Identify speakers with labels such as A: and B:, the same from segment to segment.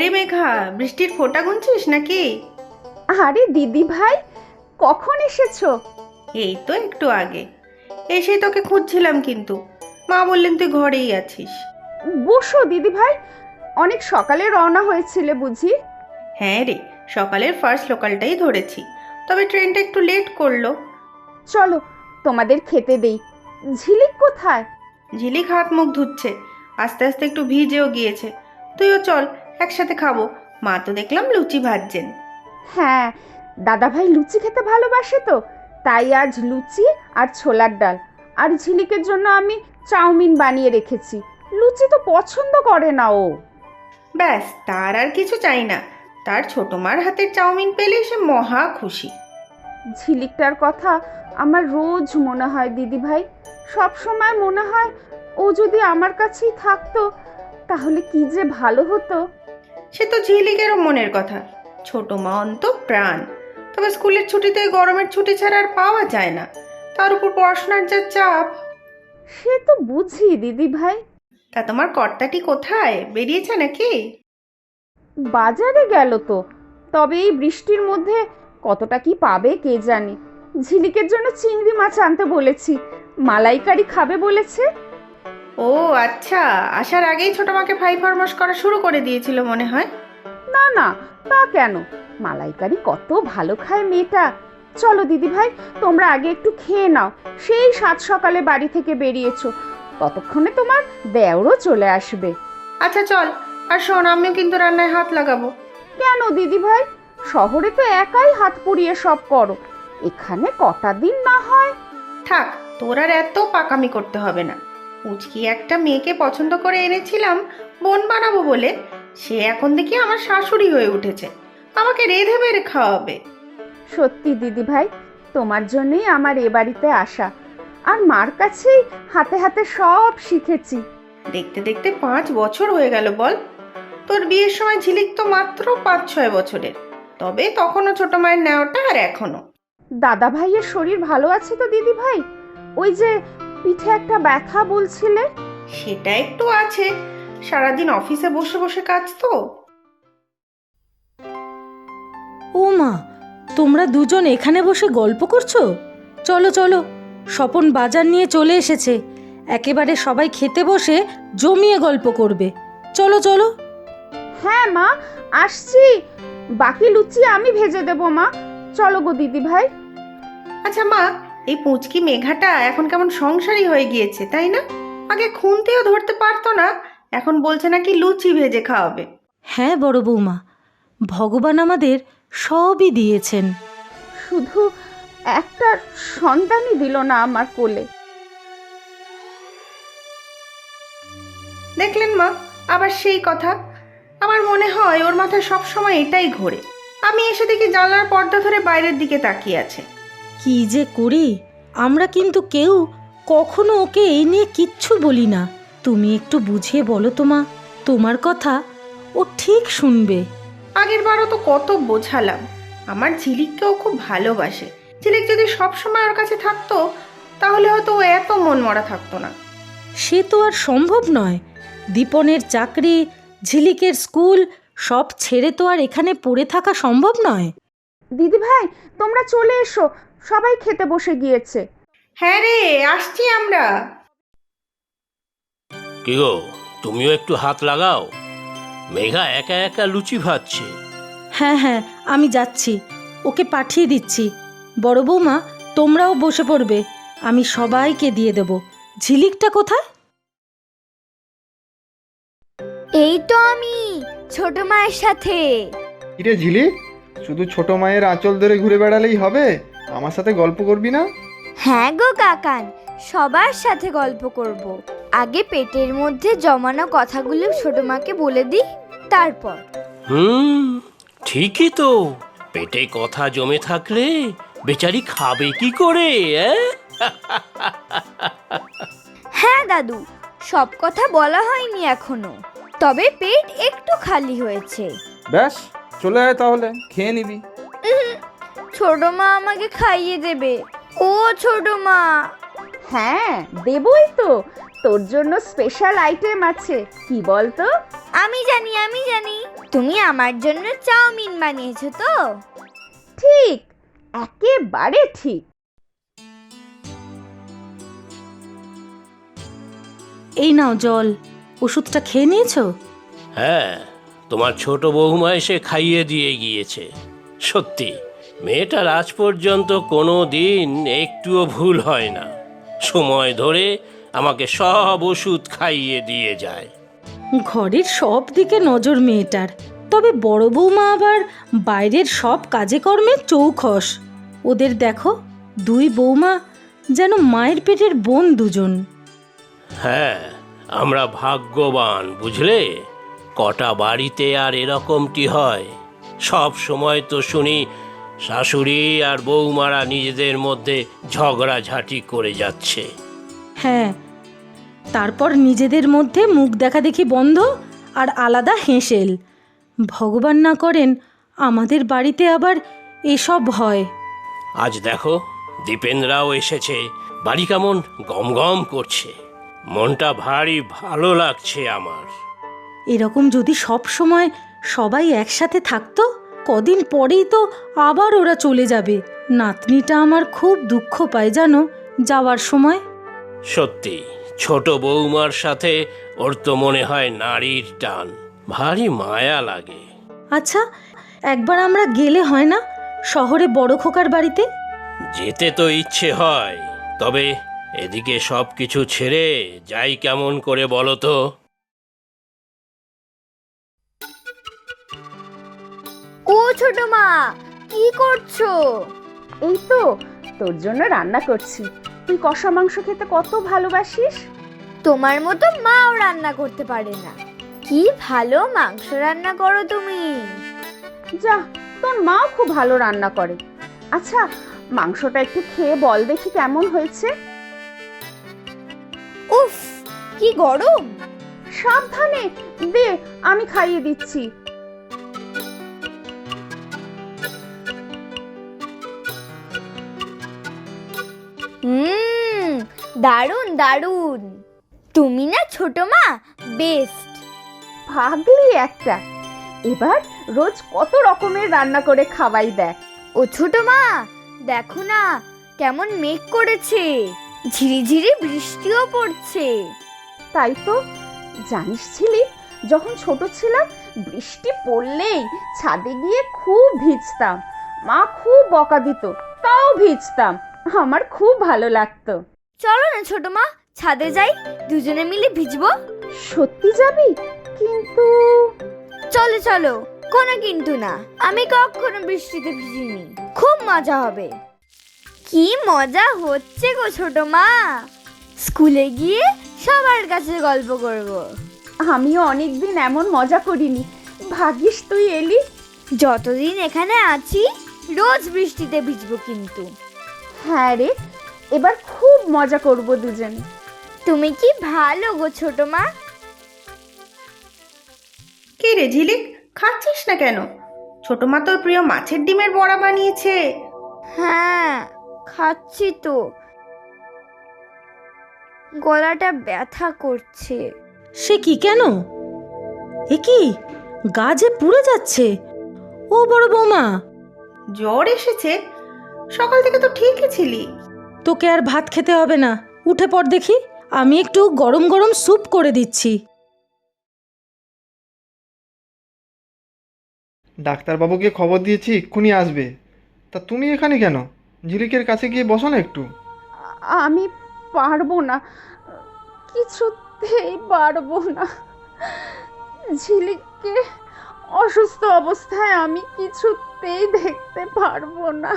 A: রে মেঘা, বৃষ্টির ফোঁটা গুনছিস নাকি?
B: আরে দিদি ভাই, কখন এসেছো?
A: এই তো একটু আগে এসেই তোকে খুঁজছিলাম, কিন্তু মা বললেন তুই ঘরেই আছিস।
B: বসো দিদি ভাই, অনেক সকালে রওনা হয়েছিলে বুঝি?
A: হ্যাঁ রে, সকালের ফার্স্ট লোকালটাই ধরেছি, তবে ট্রেনটা একটু লেট করলো।
B: চলো তোমাদের খেতে দেই। ঝিলিক কোথায়?
A: ঝিলিক হাত মুখ ধুচ্ছে, আস্তে আস্তে একটু ভিজেও গিয়েছে। তুইও চল, একসাথে খাবো। মা তো দেখলাম লুচি ভাজছেন।
B: হ্যাঁ, দাদা ভাই লুচি খেতে ভালোবাসে তো, তাই আজ লুচি আর ছোলার ডাল। আর ঝিলিকের জন্য আমি চাউমিন বানিয়ে রেখেছি। লুচি তো পছন্দ করে না ও।
A: ব্যাস, তার আর কিছু চাই না। তার ছোট মার হাতের চাউমিন পেলে সে মহা খুশি।
B: ঝিলিকটার কথা আমার রোজ মনে হয় দিদি ভাই। সব সময় মনে হয় ও যদি আমার কাছেই থাকতো তাহলে কি যে ভালো হতো।
A: সে তো ঝিলিকেরও মনের কথা। ছোট মা অন্ত প্রাণ। তবে স্কুলের ছুটিতে গরমের ছুটি ছাড়া আর পাওয়া যায় না। তার উপর পড়াশোনার যা চাপ।
B: সে তো বুঝি দিদি ভাই।
A: তা তোমার কর্তাটি কোথায়, বেরিয়েছে নাকি?
B: বাজারে গেল তো, তবে এই বৃষ্টির মধ্যে কতটা কি পাবে কে জানে। ঝিলিকের জন্য চিংড়ি মাছ আনতে বলেছি, মালাইকারি খাবে বলেছে।
A: ও আচ্ছা, আসার আগেই ছোট মাকে ফাই ফরমাস করা শুরু করে দিয়েছিল মনে হয়।
B: না না, তা কেন, মালাইকারি কত ভালো খায় মেয়েটা। চলো দিদি ভাই, তোমরা আগে একটু খেয়ে নাও। সেই সাত সকালে বাড়ি থেকে বেরিয়েছো, ততক্ষণে তোমার দেওরও চলে আসবে।
A: আচ্ছা চল, আর শোন, আমিও কিন্তু রান্নায় হাত লাগাবো।
B: কেন দিদি ভাই, শহরে তো একাই হাত পুড়িয়ে সব করো, এখানে কটা দিন না হয়।
A: থাক, তোর আর এত পাকামি করতে হবে না। উচকি একটা মেয়েকে পছন্দ করে এনেছিলাম বোন বানাবো বলে, সে এখন দেখি আমার শাশুড়ি হয়ে উঠেছে, আমাকে রেঁধে বেড়ে খাওয়াবে।
B: সত্যি দিদি ভাই, তোমার জন্যই আমার এ বাড়িতে আসা। আর মার কাছেই হাতে হাতে সব শিখেছি।
A: দেখতে দেখতে 5 বছর হয়ে গেল বল। তোর বিয়ের সময় ঝিলিক তো মাত্র 5-6 বছরের, তবে তখনও ছোট মায়ের নেওয়াটা আর এখনো।
B: দাদা ভাইয়ের শরীর ভালো আছে তো দিদি ভাই? ওই যে পিঠে একটা ব্যথা বলছিলে।
A: সেটা একটু আছে, সারাদিন অফিসে বসে বসে কাজ তো।
C: ও মা, তোমরা দুজন এখানে বসে গল্প করছো? চলো চলো, স্বপন বাজার নিয়ে চলে এসেছে, একেবারে সবাই খেতে বসে জমিয়ে গল্প করবে। চলো চলো।
B: হ্যাঁ মা, আসছি। বাকি লুচি আমি ভেজে দেবো মা। চলো গো দিদি ভাই।
A: আচ্ছা মা, এই পুঁচকি মেঘাটা এখন কেমন সংসারী হয়ে গিয়েছে তাই না? আগে খুন্তিও ধরতে পারতো না, এখন বলছে নাকি লুচি ভেজে খাওয়াবে।
C: হ্যাঁ বড় বৌমা, ভগবান আমাদের সবই দিয়েছেন।
B: শুধু একটা সন্তানই দিল না আমার কোলে।
A: দেখলেন মা, আবার সেই কথা। আমার মনে হয় ওর মাথায় সবসময় এটাই ঘোরে। আমি এসে দেখি জানলার পর্দা ধরে বাইরের দিকে তাকিয়ে আছে।
C: কি যে করি, আমরা কিন্তু কেউ কখনো ওকে এই নিয়ে কিচ্ছু বলি না। তুমি একটু বুঝিয়ে বলো তো মা, তোমার কথা ও ঠিক শুনবে।
A: আগের বারও তো কত বোঝালাম, আমার ঝিলিককেও খুব ভালোবাসে। ঝিলিক যদি সবসময় ওর কাছে থাকতো তাহলে হয়তো ও এত মন মরা থাকতো না।
C: সে তো আর সম্ভব নয়। দীপনের চাকরি, ঝিলিকের স্কুল সব ছেড়ে তো আর এখানে পড়ে থাকা সম্ভব নয়।
B: দিদি ভাই, তোমরা চলে এসো, সবাই খেতে বসে গিয়েছে।
A: হ্যাঁ রে, আসছি আমরা।
D: কি গো, তুমিও একটু হাত লাগাও। মেঘা একা একা লুচি ভাজছে।
C: হ্যাঁ হ্যাঁ, আমি যাচ্ছি, ওকে পাঠিয়ে দিচ্ছি। বড় বৌমা, তোমরাও বসে পড়বে, আমি সবাইকে দিয়ে দেব। ঝিলিকটা কোথায়?
E: এই তো আমি ছোট মায়ের সাথে।
F: কিরে ঝিলিক, শুধু ছোট মায়ের আঁচল ধরে ঘুরে বেড়ালেই হবে? আমার সাথে গল্প করবি না?
E: হ্যাঁ গো কাকান, সবার সাথে গল্প করব। আগে পেটের মধ্যে জমানো কথাগুলো ছোট মাকে বলে দিই, তারপর।
D: ঠিকই তো, পেটে কথা জমে থাকলে বেচারি খাবে কি করে?
E: হ্যাঁ দাদু, সব কথা বলা হয়নি এখনো, তবে পেট একটু খালি হয়েছে।
G: ব্যাস, চলে আয় তাহলে, খেয়ে নিবি।
E: ছোট মা আমাকে খাইয়ে দেবে। ও ছোট মা।
B: হ্যাঁ দেবই তো, তোর জন্য স্পেশাল আইটেম আছে। কি বলতো?
E: আমি জানি। তুমি আমার জন্য চাউমিন বানিয়েছো তো?
B: ঠিক, একেবারে ঠিক।
C: এই নাও জল, ওষুধটা খেয়ে নিয়েছো?
D: হ্যাঁ, তোমার ছোট বৌমা এসে খাইয়ে দিয়ে গিয়েছে। সত্যি মেয়েটার আজ পর্যন্ত কোনো দিন একটুও ভুল হয় না। সময় ধরে আমাকে সব ওষুধ খাইয়ে দিয়ে যায়।
C: ঘরের সব দিকে নজর মেয়েটার, তবে বড় বৌমা আবার বাইরের সব কাজে কর্মে চৌখস। ওদের দেখো, দুই বৌমা যেন মায়ের পেটের বোন দুজন।
D: হ্যাঁ, আমরা ভাগ্যবান বুঝলে। কটা বাড়িতে আর এরকমটি হয়। সব সময় তো শুনি শাশুড়ি আর বৌমারা নিজেদের মধ্যে ঝগড়াঝাঁটি করে যাচ্ছে।
C: হ্যাঁ, তারপর নিজেদের মধ্যে মুখ দেখাদেখি বন্ধ আর আলাদা হেঁসেল। ভগবান না করেন আমাদের বাড়িতে আবার এসব হয়।
D: আজ দেখো, দীপেনরাও এসেছে। বাড়ি কেমন গমগম করছে। মনটা ভারী ভালো লাগছে আমার।
C: এরকম যদি সব সময় সবাই একসাথে থাকতো, কদিন পরেই তো আবার ওরা চলে যাবে। নাতনিটা আমার খুব দুঃখ পায় জানো যাওয়ার সময়।
D: সত্যি, ছোট বৌমার সাথে ওর তো মনে হয় নারীর টান। ভারী মায়া লাগে।
C: আচ্ছা, একবার আমরা গেলে হয় না শহরে বড় খোকার বাড়িতে?
D: যেতে তো ইচ্ছে হয়, তবে এদিকে সব কিছু ছেড়ে যাই কেমন করে বলো তো?
E: ও ছোট মা, কি করছো?
B: এই তো তোর জন্য রান্না করছি। তুই কষা মাংস খেতে কত ভালোবাসিস।
E: তোমার মতো মাও রান্না করতে পারে না। কি ভালো মাংস রান্না করো তুমি।
B: যা, তোর মাও খুব ভালো রান্না করে। আচ্ছা, মাংসটা একটু খেয়ে বল দেখি কেমন হয়েছে।
E: উফ, কি গরম।
B: সাবধানে দে, আমি খাইয়ে দিচ্ছি।
E: দারুণ দারুণ। তুমি না ছোট মা বেস্ট।
B: ভাগলি একটা। এবার রোজ কত রকমের রান্না করে খাওয়াই দেখ।
E: ও ছোট মা, দেখো না কেমন মেঘ করেছে, ঝিরিঝিরি বৃষ্টিও পড়ছে।
B: তাই তো, জানিস ছিলি যখন ছোট ছিলাম বৃষ্টি পড়লেই ছাদে গিয়ে খুব ভিজতাম। মা খুব বকা দিত, তাও ভিজতাম। আমার খুব ভালো লাগতো।
E: চলো না ছোট মা, ছাদে যাই, দুজনে মিলে ভিজবো।
B: সত্যি যাবি? কিন্তু
E: চলো চলো, কোনো কিন্তু না। আমি কখনো বৃষ্টিতে ভিজিনি, খুব মজা হবে। কি মজা হচ্ছে গো ছোট মা। স্কুলে গিয়ে সবার কাছে গল্প করব।
B: আমিও অনেকদিন এমন মজা করিনি। ভাগিস তুই এলি।
E: যতদিন এখানে আছি রোজ বৃষ্টিতে ভিজবো কিন্তু।
B: হ্যাঁ রে, এবার খুব মজা করব দুজনে।
E: তুমি কি ভালো গো ছোট মা।
A: কে রে ঝিলিক, খাচ্ছিস না কেন? ছোট মা তোর প্রিয় মাছের ডিমের বড়া বানিয়েছে।
E: হ্যাঁ, খাচ্ছি তো। গলাটা ব্যথা করছে।
C: সে কি, কেন? এ কি, গা যে পুড়ে যাচ্ছে। ও বড় বৌমা,
A: জ্বর এসেছে? সকাল থেকে তো ঠিকই ছিলি।
C: তোকে আর ভাত খেতে হবে না, উঠে পড় দেখি। আমি একটু গরম গরম স্যুপ করে দিচ্ছি।
F: ডাক্তারবাবুকে খবর দিয়েছি, এক্ষুনি আসবে। তা তুমি এখানে কেন? ঝিলিকের কাছে গিয়ে বসো না একটু।
B: আমি পারবো না, কিছুতেই পারবো না। ঝিলিককে অসুস্থ অবস্থায় আমি কিছুতেই দেখতে পারবো না।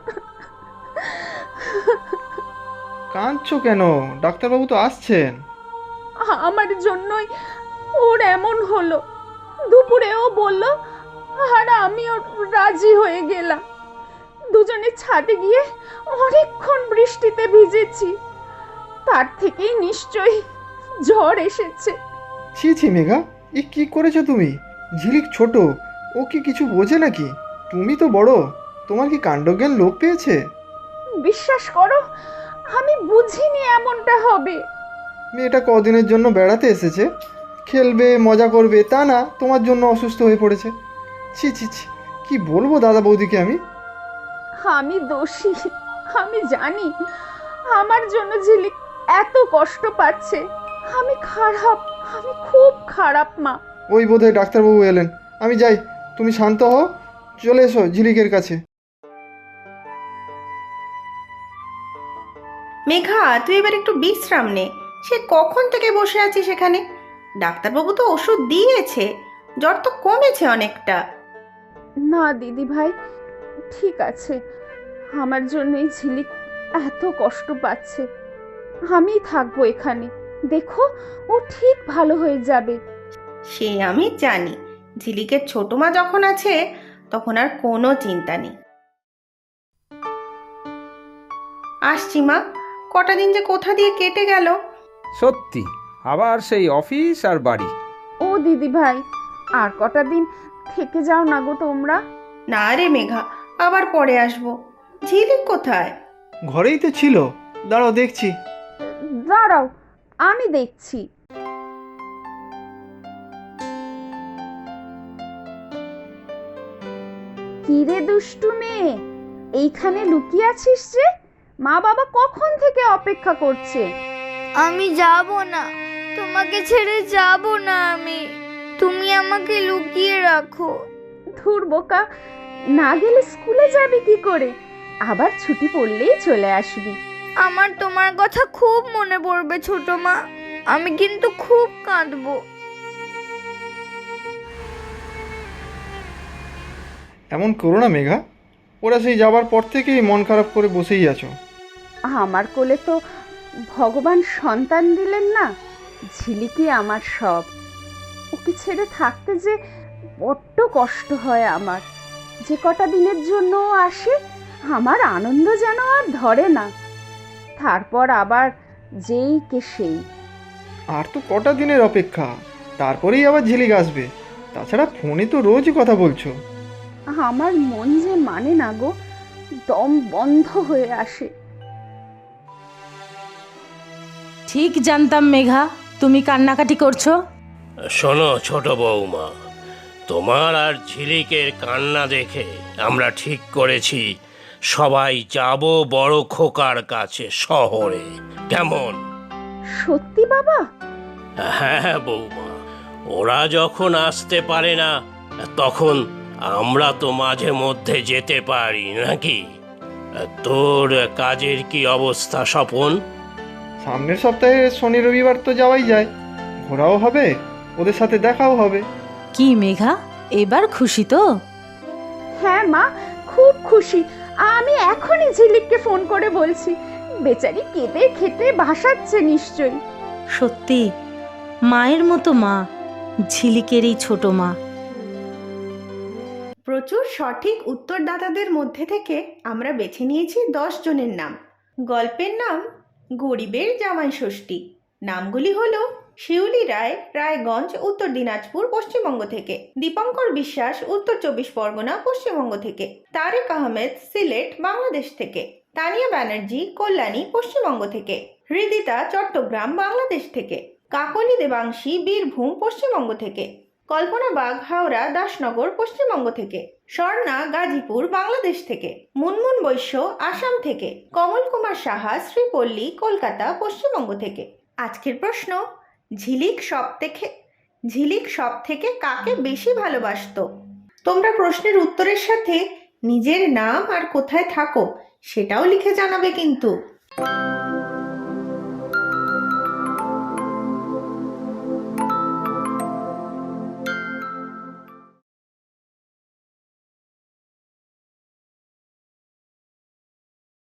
F: কাঁদছো কেন? ডাক্তারবাবু তো আসছেন।
B: আমার জন্যই ওর এমন হলো। দুপুরেও বলল, আর আমিও রাজি হয়ে গেলাম। দুজনে ছাদে গিয়ে অনেকক্ষণ বৃষ্টিতে ভিজেছি। তার থেকেই নিশ্চয়ই জ্বর এসেছে।
F: ছি ছি মেঘা, এ কি করেছো তুমি? ঝিলিক ছোট, ও কি কিছু বোঝে নাকি? তুমি তো বড়, তোমার কি কাণ্ডজ্ঞান লোপ পেয়েছে?
B: বিশ্বাস করো, আমি বুঝিনি এমনটা হবে।
F: মেয়েটা কদিনের জন্য বেড়াতে এসেছে, খেলবে মজা করবে তা না, তোমার জন্য অসুস্থ হয়ে পড়েছে। ছি ছি ছি, কি বলবো দাদা বৌদিকে আমি।
B: আমি দোষী, আমি জানি আমার জন্য ঝিলিক এত কষ্ট পাচ্ছে। আমি খারাপ, আমি খুব খারাপ মা।
F: ওই বোধহয় ডাক্তারবাবু এলেন, আমি যাই, তুমি শান্ত হও, চলে এসো ঝিলিকের কাছে।
A: মেঘা, তুই এবার একটু বিশ্রাম নে। সে কখন থেকে বসে আছিস সেখানে? ডাক্তারবাবু তো ওষুধ দিয়েছে, জ্বর তো কমেছে অনেকটা।
B: না দিদি ভাই, ঠিক আছে, আমার জন্যই ঝিলিক এত কষ্ট পাচ্ছে। আমি থাকবো এখানে, দেখো ও ঠিক ভালো হয়ে যাবে।
A: সে আমি জানি, ঝিলিকের ছোট মা যখন আছে তখন আর কোনো চিন্তা নেই। আসছি মা, কটা দিন যে কোথা দিয়ে কেটে গেল।
G: সত্যি, আবার সেই অফিস আর বাড়ি।
B: ও দিদি ভাই, আর কটা দিন থেকে যাও না গো তোমরা।
A: না রে মেঘা, আবার পরে আসবো। ঝিলিক কোথায়?
F: ঘরেই তো ছিল, দাঁড়াও দেখছি।
B: দাঁড়াও, আমি দেখছি। কিরে দুষ্টু মেয়ে, এইখানে লুকিয়ে আছিস যে? মা বাবা কখন থেকে অপেক্ষা করছে।
E: আমি যাব না, তোমাকে ছেড়ে যাব না আমি। তুমি আমাকে লুকিয়ে রাখো।
B: ধুর বোকা, না গেলে স্কুলে যাবি কি করে? আবার ছুটি পড়লেই চলে আসবি।
E: আমার তোমার কথা খুব মনে পড়বে ছোট মা, আমি কিন্তু খুব কাঁদবো।
F: এমন করো না মেঘা, ওরা সেই যাবার পর থেকেই মন খারাপ করে বসেই আছো।
B: আমার কোলে তো ভগবান সন্তান দিলেন না, ঝিলিকি আমার সব। ওকে ছেড়ে থাকতে যে বড্ড কষ্ট হয় আমার। যে কটা দিনের জন্য ও আসে, আমার আনন্দ যেন আর ধরে না। তারপর আবার যেই কে সেই।
F: আর তো কটা দিনের অপেক্ষা, তারপরেই আবার ঝিলিক আসবে। তাছাড়া ফোনে তো রোজই কথা বলছো।
B: আমার মন যে মানে না গো, দম বন্ধ হয়ে আসে।
C: ঠিক জানতাম মেঘা, তুমি কান্নাকাটি করছো।
D: শোনো ছোট বৌমা, তোমার আর ঝিলিকের কান্না দেখে আমরা ঠিক করেছি সবাই যাব বড় খোকার কাছে শহরে। কেমন?
B: সত্যি বাবা?
D: হ্যাঁ বৌমা, ওরা যখন আসতে পারে না তখন আমরা তো মাঝে মধ্যে যেতে পারি নাকি? তোর কাজের কি অবস্থা স্বপন?
F: সামনের সপ্তাহে শনি রবিবার তো যাওয়াই যায়, ঘোরাও হবে, ওদের সাথে দেখাও হবে।
C: কি মেঘা, এবার খুশি তো?
B: হ্যাঁ মা, খুব খুশি। আমি এখনই ঝিলিককে ফোন করে বলছি। বেচারি কেঁদে খেতে ভাসাচ্ছে নিশ্চয়ই।
C: সত্যি মায়ের মতো মা, ঝিলিকের এই ছোট মা।
A: প্রচুর সঠিক উত্তরদাতাদের মধ্যে থেকে আমরা বেছে নিয়েছি 10 জনের নাম। গল্পের নাম গরিবের জামাই ষষ্ঠী। নামগুলি হলো শিউলি রায়, রায়গঞ্জ, উত্তর দিনাজপুর, পশ্চিমবঙ্গ থেকে; দীপঙ্কর বিশ্বাস, উত্তর 24 পরগনা, পশ্চিমবঙ্গ থেকে; তারেক আহমেদ, সিলেট, বাংলাদেশ থেকে; তানিয়া ব্যানার্জি, কল্যাণী, পশ্চিমবঙ্গ থেকে; হৃদিতা, চট্টগ্রাম, বাংলাদেশ থেকে; কাকলি দেবাংশী, বীরভূম, পশ্চিমবঙ্গ থেকে; কল্পনা বাগ, হাওড়া, দাসনগর, পশ্চিমবঙ্গ থেকে; স্বর্ণা, গাজীপুর, বাংলাদেশ থেকে; মুনমুন বৈশ্য, আসাম থেকে; কমল কুমার সাহা, শ্রীপল্লী, কলকাতা, পশ্চিমবঙ্গ থেকে। আজকের প্রশ্ন, ঝিলিক সব থেকে কাকে বেশি ভালোবাসতো? তোমরা প্রশ্নের উত্তরের সাথে নিজের নাম আর কোথায় থাকো সেটাও লিখে জানাবে কিন্তু।